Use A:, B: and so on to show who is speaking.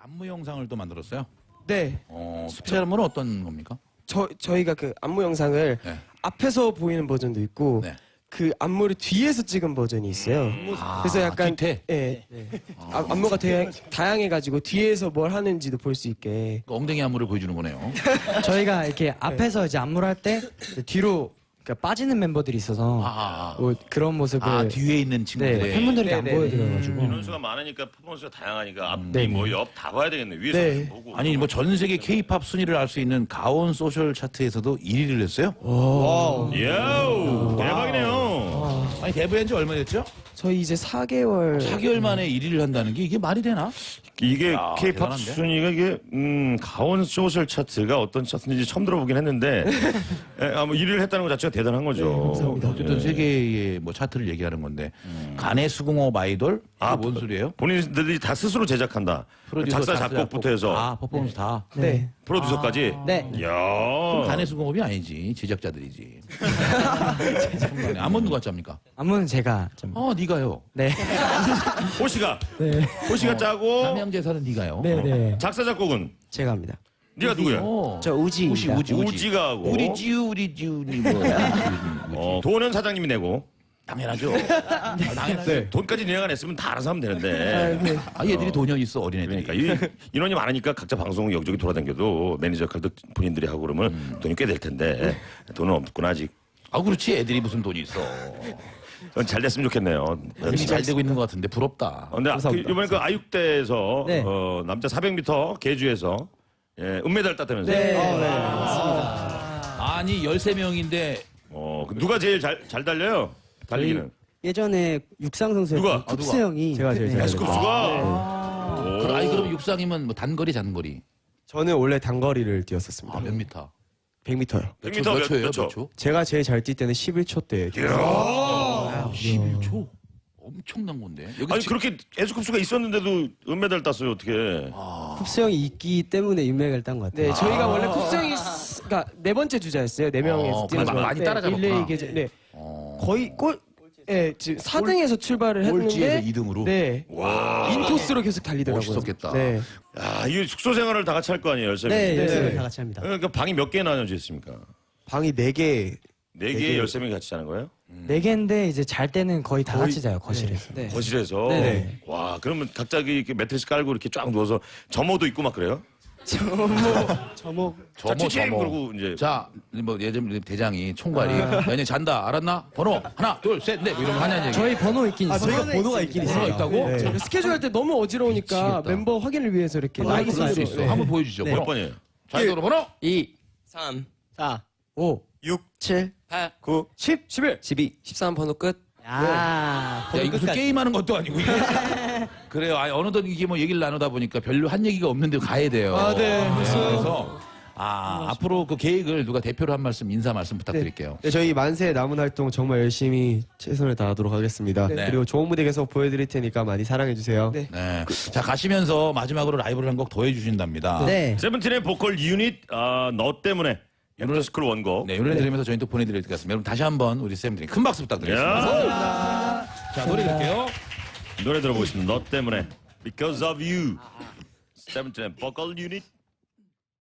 A: 안무 영상을 또 만들었어요?
B: 네.
A: 스페셜 안무는 어떤 겁니까?
B: 저희가 그 안무 영상을
A: 네.
B: 앞에서 보이는 버전도 있고
A: 네.
B: 그 안무를 뒤에서 찍은 버전이 있어요. 그래서 약간
A: 뒤태?
B: 예. 안무가 되게 다양해가지고 뒤에서 뭘 하는지도 볼 수 있게.
A: 그 엉덩이 안무를 보여주는 거네요.
C: 저희가 이렇게 앞에서 이제 안무를 할 때 뒤로 그러니까 빠지는 멤버들이 있어서 뭐 그런 모습을
A: 뒤에 있는 친구들.
C: 네, 팬분들에게 안 보여드려가지고
D: 인원수가 많으니까 퍼포먼스가 다양하니까 앞뒤
C: 네.
D: 뭐 옆 다 봐야 되겠네. 위에서
B: 네.
D: 보고.
A: 아니 뭐 전 세계 K-팝 순위를 알 수 있는 가온 소셜 차트에서도 1위를 했어요?
D: 야우 대박이네요.
A: 아니 데뷔한 지 얼마 됐죠?
B: 저희 이제 4개월.
A: 4개월 만에 1위를 한다는 게 이게 말이 되나?
D: 이게
A: 야,
D: K-팝
A: 대단한데?
D: 순위가 이게 가온 소셜 차트가 어떤 차트인지 처음 들어보긴 했는데 뭐 1위를 했다는 것 자체가 대단한 거죠.
A: 어쨌든 세계의 뭐 차트를 얘기하는 건데 간의 수공업 아이돌? 이게 뭔 소리예요?
D: 본인들이 다 스스로 제작한다. 작사 작곡부터 해서
A: 퍼포먼스 다.
B: 네.
D: 프로듀서까지.
C: 네.
D: 이야.
A: 간의 수공업이 아니지 제작자들이지. 안무 누가 짭니까?
C: 안무는 제가 좀
A: 네가요.
C: 네.
D: 호시가. 호시가 짜고
A: 삼양제사는 네가요.
C: 네.
D: 작사 작곡은
B: 제가 합니다.
D: 네가 누구야?
B: 저 우지입니다.
D: 우지가 하고.
A: 우리 지우니 뭐.
D: 도원 사장님이 내고.
A: 당연하죠. 당연하죠.
D: 돈까지 내가 냈으면 다 알아서 하면 되는데.
A: 얘들이 돈이 있어 어린애들이.
D: 그러니까 인원이 많으니까 각자 방송 여기저기 돌아다녀도 매니저 역할도 본인들이 하고 그러면 돈이 꽤 될 텐데 돈은 없구나 아직.
A: 그렇지 애들이 무슨 돈이 있어.
D: 잘 됐으면 좋겠네요.
A: 이미 잘 되고 있는 것 같은데 부럽다.
D: 근데 이번에 그 아육대에서
C: 네.
D: 남자 400m 계주에서 은메달 땄다면서요?
C: 네.
A: 아니 13명인데
D: 누가 제일 잘 달려요? 달리기는.
E: 예전에 육상 선수였던
D: 누가?
E: 쿱스 형이
B: 제가 제일 잘
D: 에스쿱스가.
A: 아니 그럼 육상이면 뭐 단거리 장거리
B: 저는 원래 단거리를 뛰었었습니다.
A: 몇 미터?
B: 100m요.
D: 100m
A: 몇 초예요?
D: 몇 초?
A: 몇 초?
B: 제가 제일 잘 뛸 때는 11초 때.
A: 11초. 엄청난 건데. 여기
D: 아니
A: 지금
D: 그렇게 에스쿱스가 있었는데도 은메달 땄어요 어떻게?
E: 쿱스 형이 있기 때문에 인맥을 딴 것 같아요.
B: 네, 저희가 원래 쿱스 형이 그러니까 네 번째 주자였어요. 네 명에서 뛰는
A: 그래서 많이 따라잡았구나.
B: 릴레이 계제. 네. 거의 지금 4등에서 출발을
A: 꼴찌에서
B: 했는데
A: 2등으로.
B: 네.
D: 와.
B: 인코스로 계속 달리더라고요.
A: 멋있었겠다.
B: 네.
D: 야, 이게 숙소 생활을 다 같이 할 거 아니에요, 열세
E: 네,
D: 명이.
E: 열심히
B: 네.
E: 다 같이 합니다.
D: 그러니까 방이 몇 개 나눠져 있습니까?
B: 방이 4개.
D: 네 개에 13명이 같이 자는 거예요?
C: 네 개인데 이제 잘 때는 거의 다 같이 자요 거실에서.
E: 네.
D: 거실에서.
E: 네.
D: 와, 그러면 각자 이렇게 매트리스 깔고 이렇게 쫙 누워서 점호도 있고 막 그래요?
E: 저목
D: 칭칭 그러고 이제.
A: 자, 뭐 예전 대장이 총괄이 너네 잔다 알았나? 번호 하나, 둘, 셋, 넷 이런 거 하냐는 얘기.
C: 저희 번호 있긴 있어요.
B: 저희가 번호가 있긴
A: 번호가
B: 있어요.
A: 있다고?
B: 네. 스케줄 할 때 너무 어지러우니까
A: 미치겠다.
B: 멤버 확인을 위해서 이렇게
A: 라이브 쓸수 있어.
B: 네.
A: 한번 보여주죠.
D: 몇
A: 번호.
D: 번이에요?
A: 자이도로 번호.
C: 2,
E: 3,
C: 4, 5,
B: 6,
C: 7,
E: 8,
B: 9,
C: 10,
B: 11.
E: 12, 13 번호 끝.
C: 야.
A: 야, 이거 무슨 게임하는 것도 아니고 이게. 그래요. 아니 어느덧 이게 뭐 얘기를 나누다 보니까 별로 한 얘기가 없는데 가야 돼요.
B: 네.
A: 그래서 앞으로 그 계획을 누가 대표로 한 말씀 인사 말씀 부탁드릴게요.
B: 네, 저희 만세 남은 활동 정말 열심히 최선을 다하도록 하겠습니다.
A: 네.
B: 그리고 좋은 무대 계속 보여드릴 테니까 많이 사랑해주세요. 네.
A: 네. 자 가시면서 마지막으로 라이브를 한 곡 더 해주신답니다.
C: 네.
D: 세븐틴의 보컬 유닛 너 때문에 애프터스쿨 원곡.
A: 네, 이 노래 들으면서 저희는 또 보내드릴 것 같습니다. 여러분 다시 한번 우리 쌤들이 큰 박수 부탁드리겠습니다.
D: 야.
A: 자 노래 들을게요.
D: 노래 들어보겠습니다. 너 때문에 Because of You. 세븐틴의 보컬 유닛.